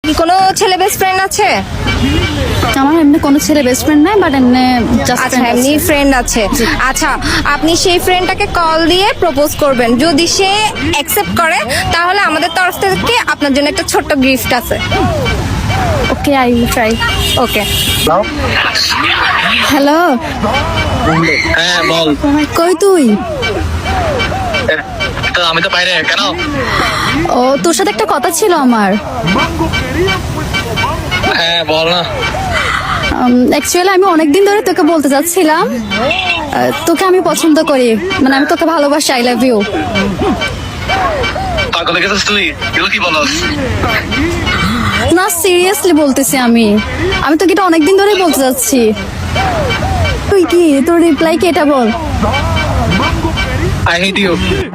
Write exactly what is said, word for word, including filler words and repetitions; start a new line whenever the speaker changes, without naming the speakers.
কি কোনো ছেলে বেস্ট ফ্রেন্ড আছে?
আমার এমনি কোনো ছেলে বেস্ট ফ্রেন্ড নাই, বাট এমনি জাস্ট
আচ্ছা, এমনি ফ্রেন্ড আছে। আচ্ছা, আপনি সেই ফ্রেন্ডটাকে কল দিয়ে প্রপোজ করবেন। যদি সে অ্যাকসেপ্ট করে তাহলে আমাদের তরফ থেকে আপনার জন্য একটা ছোট্ট গিফট আছে।
Okay, I will try.
Okay.
Hello,
হ্যাঁ বল।
কই তুই?
তো আমি তো বাইরে, কেন?
ও, তোর সাথে একটা কথা ছিল আমার।
হ্যাঁ বল না।
অ্যাকচুয়ালি আমি অনেকদিন ধরে তোকে বলতে চাচ্ছিলাম, আহ, তোকে আমি পছন্দ করি, মানে আমি তোকে ভালোবাসি। I love you.
পাগল গেছিস তুই? এগুলো কি বলস?
না, সিরিয়াসলি বলতেছি আমি আমি তোকে এটা অনেকদিন ধরেই বলতে চাচ্ছি। তুই কি, তোর রিপ্লাই কি এটা বল।
I hate you.